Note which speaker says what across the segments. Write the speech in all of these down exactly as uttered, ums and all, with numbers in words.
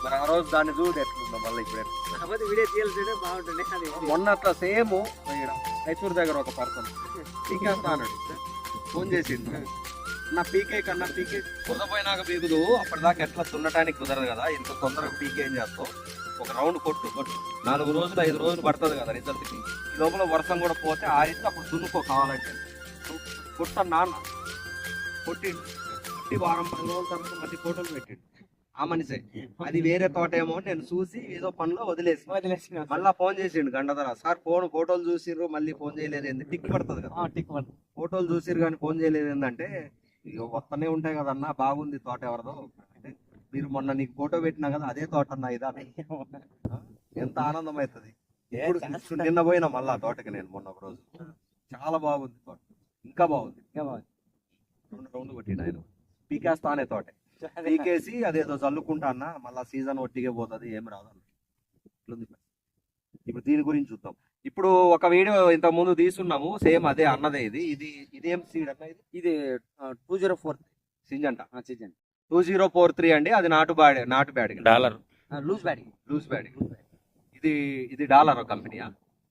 Speaker 1: మరి ఆ రోజు దాన్ని చూడు ఎట్లుందో మళ్ళీ ఇప్పుడు
Speaker 2: కాకపోతే వీడియో తీయాల్సిందే బాగుంటుంది అది
Speaker 1: మొన్న అట్లా సేమ్ రైతూరు దగ్గర ఒక పర్సన్ పీకేస్తా అన్నాడు, ఫోన్ చేసిండు నా పీకే కన్నా పీకే కుదపోయినాక పీకుదు అప్పటిదాకా ఎట్లా దున్నటానికి కుదరదు కదా, ఇంత తొందరగా పీకే ఏం చేస్తావు, ఒక రౌండ్ కొట్టు కొట్టు నాలుగు రోజులు ఐదు రోజులు పడుతుంది కదా రిజల్ట్కి, ఈ లోపల వర్షం కూడా పోతే ఆరిస్తే అప్పుడు దున్నుకో కావాలంటే కొట్ట నాన్న కొట్టిండు, కొట్టి వారం పది రోజుల తర్వాత మళ్ళీ ఫోటోలు పెట్టిండు ఆ మనిషే. అది వేరే తోట ఏమో నేను చూసి ఏదో పనిలో వదిలేసి
Speaker 2: వదిలేసి
Speaker 1: మళ్ళీ ఫోన్ చేసిండు గంటధర, సార్ ఫోన్ ఫోటోలు చూసిర్రు మళ్ళీ ఫోన్ చేయలేదు ఏంది, టిక్ పడుతుంది కదా
Speaker 2: టిక్ పడుతుంది,
Speaker 1: ఫోటోలు చూసిర్రు కానీ ఫోన్ చేయలేదు ఏంటంటే ఇక వస్తూనే ఉంటాయి కదన్నా బాగుంది తోట ఎవరిదో అంటే, మీరు మొన్న నీకు ఫోటో పెట్టినా కదా అదే తోట అన్నా ఇదా, ఎంత ఆనందం అవుతుంది. ఇప్పుడు నిన్న పోయినా మళ్ళా తోటకి నేను మొన్న ఒక రోజు, చాలా బాగుంది తోట, ఇంకా బాగుంది
Speaker 2: ఇంకా బాగుంది.
Speaker 1: రెండు రౌండ్లు కొట్టిండు ఆయన, పీకేస్తానే తోట పీకేసి అదేదో చల్లుకుంటా అన్న మళ్ళా సీజన్ ఒట్టిగే పోతుంది ఏం రాదన్న. ఇప్పుడు దీని గురించి చూద్దాం. ఇప్పుడు ఒక వీడియో ఇంత ముందు తీసుకున్నాము సేమ్ అదే అన్నదే, ఇది ఇది ఇదేం సీడ్ అన్న, ఇది
Speaker 2: ఇది two zero four
Speaker 1: Syngenta
Speaker 2: season
Speaker 1: two zero four three అండి, అది నాటు బ్యాడ్ నాటు bad
Speaker 3: dollar
Speaker 2: loose batting
Speaker 1: loose bad. ఇది ఇది డాలర్ కంపెనీయా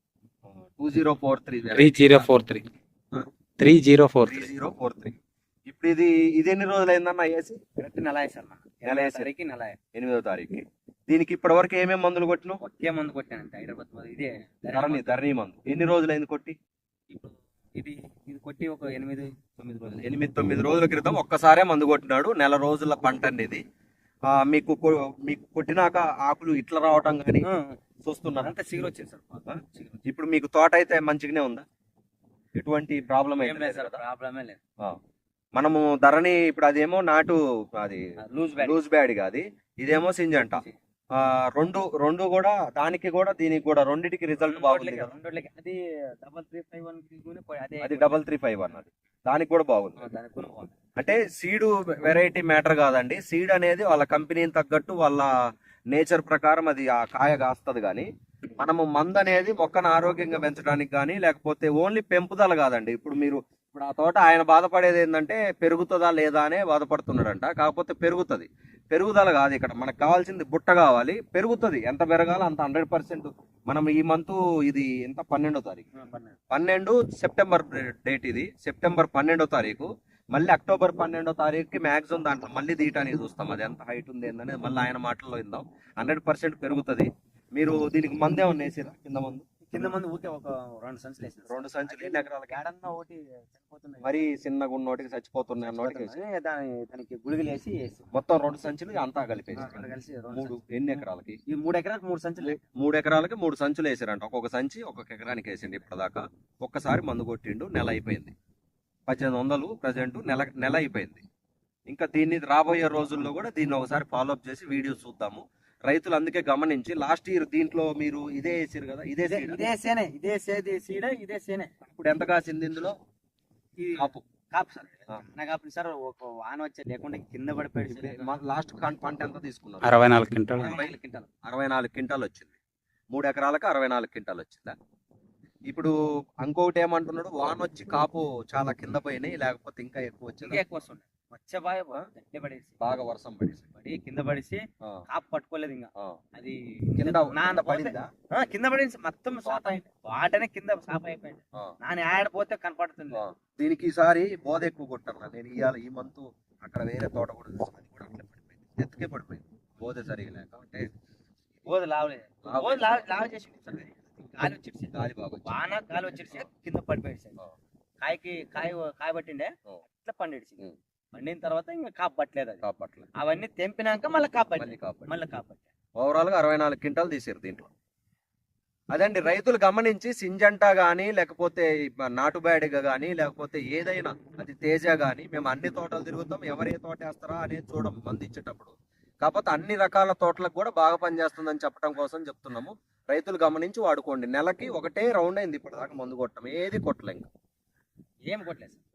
Speaker 1: two zero four three
Speaker 3: three zero four three three zero four
Speaker 1: three
Speaker 3: three
Speaker 1: zero four three ఇప్పుడు ఇది ఇది ఎన్ని రోజులు అయిందన్న వేసి?
Speaker 2: కరెక్ట్ నెల వేసాను
Speaker 1: నెల వేసి
Speaker 2: సరికి నెల
Speaker 1: ఎనిమిదో తారీఖు. దీనికి ఇప్పటి వరకు ఏమేమి మందులు కొట్టినావు?
Speaker 2: ఒకే మందు కొట్టానంటే హైదరాబాద్ మందు, ఇదే
Speaker 1: ధరణి ధరణి మందు. ఎన్ని రోజులు అయింది కొట్టి?
Speaker 2: ఇప్పుడు ఇది ఇది కొట్టి ఒక ఎనిమిది తొమ్మిది రోజులు
Speaker 1: ఎనిమిది తొమ్మిది రోజుల క్రితం ఒక్కసారే మందు కొట్టినాడు. నెల రోజుల పంట అండి ఇది. ఆ, మీకు కొ- మీకు కొట్టినాక ఆకులు ఇట్లా రావటం కానీ చూస్తున్నారు.
Speaker 2: అంతా సిగురు వచ్చింది సార్ బాగా. చిగురు.
Speaker 1: ఇప్పుడు మీకు తోట అయితే మంచిగానే ఉందా? ఎటువంటి ప్రాబ్లం
Speaker 2: ఏం
Speaker 1: అయితే
Speaker 2: లేదు సార్, ప్రాబ్లమే లేదు.
Speaker 1: మనము ధరణి ఇప్పుడు అదేమో నాటు అది
Speaker 2: లూజ్ బ్యాట్
Speaker 1: లూజ్ బ్యాడ్ కాదు, ఇదేమో సింజంట. ఆ, రెండు రెండు కూడా దానికి కూడా దీనికి కూడా రెండిటికి రిజల్ట్ బాగుంది కదా.
Speaker 2: అది డబల్ త్రీ ఫైవ్ వన్ అదే
Speaker 1: అది డబల్ త్రీ ఫైవ్ అన్నది దానికి కూడా బాగుంది.
Speaker 2: దానికి కూడా బాగుంది.
Speaker 1: అంటే సీడ్ వెరైటీ మ్యాటర్ కాదండి, సీడ్ అనేది వాళ్ళ కంపెనీని తగ్గట్టు వాళ్ళ నేచర్ ప్రకారం అది ఆ కాయ కాస్తుంది. కానీ మనము మందు అనేది మొక్కను ఆరోగ్యంగా పెంచడానికి కానీ లేకపోతే ఓన్లీ పెంపుదల కాదండి. ఇప్పుడు మీరు ఇప్పుడు ఆ తోట ఆయన బాధపడేది ఏంటంటే పెరుగుతుందా లేదా అనే బాధపడుతున్నాడంట. కాకపోతే పెరుగుతుంది, పెరుగుదల కాదు ఇక్కడ మనకు కావాల్సింది బుట్ట కావాలి, పెరుగుతుంది. ఎంత పెరగాలో అంత హండ్రెడ్ పర్సెంట్. మనం ఈ మంత్ ఇది ఎంత పన్నెండో తారీఖు పన్నెండు సెప్టెంబర్ డేట్, ఇది సెప్టెంబర్ పన్నెండో తారీఖు. మళ్ళీ అక్టోబర్ పన్నెండో తారీఖుకి మ్యాక్సిమం దాంట్లో మళ్ళీ తీయటానికి చూస్తాం, అది ఎంత హైట్ ఉంది ఏంటనేది మళ్ళీ ఆయన మాటల్లో విందాం. హండ్రెడ్ పర్సెంట్ పెరుగుతుంది. మీరు దీనికి మందు ఏమన్నా వేసిరా? కింద మందు
Speaker 2: కింద మంది ఊకే ఒక రెండు సంచులు వేసాను.
Speaker 1: రెండు సంచులు ఎన్ని ఎకరాలకి?
Speaker 2: ఏడన్నా ఒకటి చనిపోతున్నాయి,
Speaker 1: మరీ చిన్నగా ఉన్నోటికి చచ్చిపోతున్నాయి అన్నోటికి వేసి
Speaker 2: చనిపోతున్నాయి. దాని దానికి గుళికలు వేసి వేసి
Speaker 1: మొత్తం రెండు సంచులు అంతా కలిపేసి
Speaker 2: రెండు కలిసి రెండు
Speaker 1: మూడు
Speaker 2: సంచులు.
Speaker 1: ఎన్ని ఎకరాలకి?
Speaker 2: ఈ మూడు ఎకరాలకు మూడు సంచులు
Speaker 1: మూడు ఎకరాలకి మూడు సంచులు వేసారంట. ఒక్కొక్క సంచి ఒక్కొక్క ఎకరానికి వేసిండు ఇప్పటిదాకా. ఒక్కసారి మందు కొట్టిండు, నెల అయిపోయింది. పద్దెనిమిది వందలు ప్రజెంట్ నెల నెల అయిపోయింది. ఇంకా దీన్ని రాబోయే రోజుల్లో కూడా దీన్ని ఒకసారి ఫాలోఅప్ చేసి వీడియో చూద్దాము. రైతులు అందుకే గమనించి లాస్ట్ ఇయర్ దీంట్లో మీరు ఇదే వేసారు కదా, ఇదే
Speaker 2: ఇదే
Speaker 1: seed.
Speaker 2: ఇదే సేనే ఇదే సేది సీడ ఇదే సేనే.
Speaker 1: ఇప్పుడు ఎంత కాసింది ఇందులో?
Speaker 2: ఈ
Speaker 1: కాపు
Speaker 2: కాపు సార్
Speaker 1: ఆ.
Speaker 2: నాకు అప్పుడు సార్ ఒక వాన వచ్చే లేకుండా కింద పడిపోయాడు.
Speaker 1: లాస్ట్ పంట ఎంత తీసుకున్నారు?
Speaker 3: అరవై నాలుగు క్వింటాలు
Speaker 1: అరవై క్వింటాల్ అరవై నాలుగు క్వింటాల్ వచ్చింది. మూడు ఎకరాలకు అరవై నాలుగు క్వింటాల్ వచ్చిందా? ఇప్పుడు ఇంకొకటి ఏమంటున్నాడు, వాన వచ్చి కాపు చాలా కింద పోయినాయి, లేకపోతే ఇంకా ఎక్కువ వచ్చింది.
Speaker 2: ఇంకా ఎక్కువ వస్తుండే వచ్చే బాగా గట్టి పడేసి
Speaker 1: బాగా వర్షం పడేసి
Speaker 2: పడి కింద పడేసి
Speaker 1: ఆ,
Speaker 2: కాపు పట్టుకోలేదు. ఇంకా
Speaker 1: ఆ.
Speaker 2: అది
Speaker 1: కింద
Speaker 2: నాన్న
Speaker 1: కింద పడిందా?
Speaker 2: ఆ, కింద పడేసి మొత్తం సాప్ అయింది, వాటనే కింద సాప్ అయిపోయింది.
Speaker 1: ఆ,
Speaker 2: నాన్న ఆడపోతే కనపడుతుంది.
Speaker 1: ఆ. దీనికి ఈసారి బోధ ఎక్కువ కొట్టాను నేను. ఇవాళ ఈ మంత్ అక్కడ వేరే తోట కూడా చూసాను, అది కూడా అట్లే పడిపోయింది, ఎత్తుకే పడిపోయింది బోధ సరిగా లేక. అంటే
Speaker 2: బోధ లావలేదు,
Speaker 1: లావు
Speaker 2: బోధ లావ లావ చేసి గాలి వచ్చేసి
Speaker 1: గాలి బాగా వచ్చింది.
Speaker 2: వాన గాలి వచ్చేసి కింద పడిపోయేసి
Speaker 1: ఆ,
Speaker 2: కాయకి కాయ కాయ పట్టిండే
Speaker 1: ఆ.
Speaker 2: అట్లా పండేసి
Speaker 1: ఉం.
Speaker 2: పండిన తర్వాత ఇంకా కాపు పట్టలేదు. అది
Speaker 1: కాపట్ల
Speaker 2: అవన్నీ తెంపినాక మళ్ళీ కాపు
Speaker 1: మళ్ళీ
Speaker 2: పట్టింది,
Speaker 1: కాపట్ల
Speaker 2: మళ్ళీ కాపు పట్టాయి.
Speaker 1: ఓవరాల్ గా అరవై నాలుగు క్వింటాల్ తీసారు దీంట్లో. అదండి రైతులు గమనించి సింజంటా కానీ లేకపోతే నాటు బ్యాడిగా కానీ లేకపోతే ఏదైనా అది తేజ కానీ, మేము అన్ని తోటలు తిరుగుతాం, ఎవరు ఏ తోట వేస్తారా అనేది చూడం మంది ఇచ్చేటప్పుడు. కాకపోతే అన్ని రకాల తోటలకు కూడా బాగా పనిచేస్తుందని చెప్పడం కోసం చెప్తున్నాము. రైతులు గమనించి వాడుకోండి. నెలకి ఒకటే రౌండ్ అయింది ఇప్పటిదాకా మందు కొట్టడం, ఏది కొట్టలేం.
Speaker 2: ఏం కొట్టలేదు సార్.